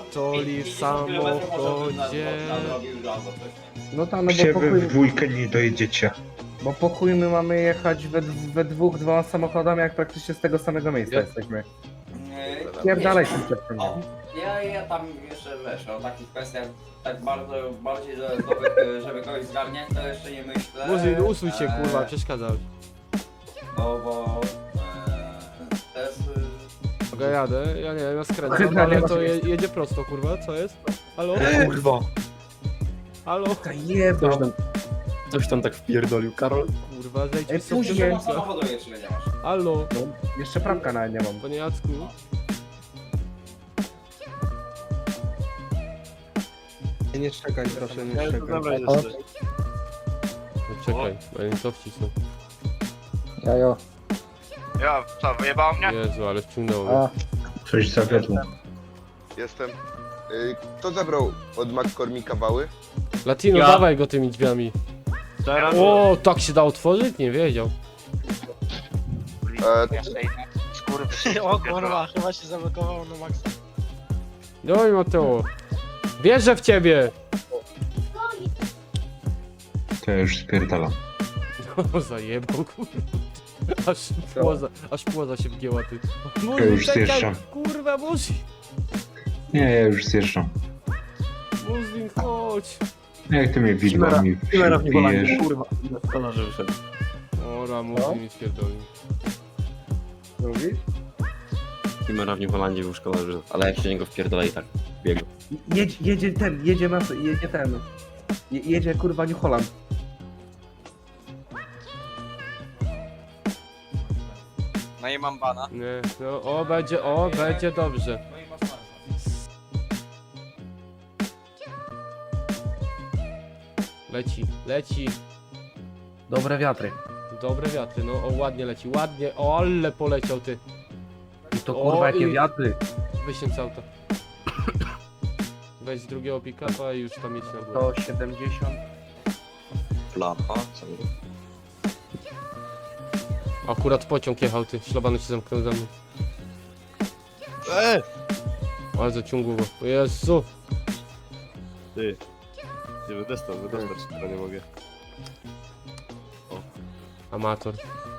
pierdoli w samochodzie. No tam, no Gdzie bo wy pokój, w dwójkę nie dojedziecie? bo pokój my mamy jechać we dwóch, dwoma samochodami, jak praktycznie z tego samego miejsca Ja- jesteśmy. Nie, Pierdalaj nie, się przed tym. O, ja tam jeszcze wiesz, o takich kwestiach tak bardzo, bardziej, żeby kogoś zgarniać, to jeszcze nie myślę. Murzyn, usuń się, kurwa, przeszkadzał. Bo to jest... Mogę jadę, ja nie wiem, ja skręcam, Chyba nie ale ma to się jedzie prosto, kurwa, co jest? Halo? Kurwa. Halo? Jeba. Coś tam tak wpierdolił, Karol. Kurwa, zejdź Ej, mi stąd później. książka. samochodu jeszcze nie masz. Halo? No, jeszcze prawka nawet nie mam. Panie Jacku? Nie czekaj, proszę, nie Ja czekaj. dobra jeszcze. No czekaj, bo ja nie to wcisnę. Jajo. Ja, co, wyjebało mnie? Jezu, ale wciągnęło mnie. A, Coś zawiodło. Jestem. Kto zabrał od McCormicka wały? Latino, Ja. dawaj go tymi drzwiami. Teraz O, tak się da otworzyć? Nie wiedział. O kurwa, chyba się zablokowało na maksa. Doj Mateo. Wierzę w ciebie! To ja już spierdalam. O, zajebał, kurwa. Aż płoza się wgięła, ty. Ja już czekaj, zjeżdżam. kurwa, Murzyn, Nie, ja już zjeżdżam. Murzyn, chodź. Jak ty mnie widłami Kimera w Niwolandzie, wbijesz? kurwa. Kolarze wyszedł. Ora, Murzyn mi spierdolił. mówisz? Kimera w Niwolandzie był szkolarzy, ale jak się niego wpierdala i tak biegł. Jedzie ten, jedzie ten. Jedzie kurwa New Holland. No i mam bana. Nie, no, będzie dobrze. Leci. Dobre wiatry. Dobre wiatry, no, o, ładnie leci, ładnie, o, ale poleciał, ty. I to O, kurwa jakie i- wiatry. Wysiądź z auta. Weź z drugiego pick-upa i już tam jedź na górę. 170. Plapa, co? Akurat pociąg jechał, ty, szlabany się zamknął za mną. Bardzo ciągłowo, o Jezu. Ty. Nie wydostać, tylko nie mogę. Amator.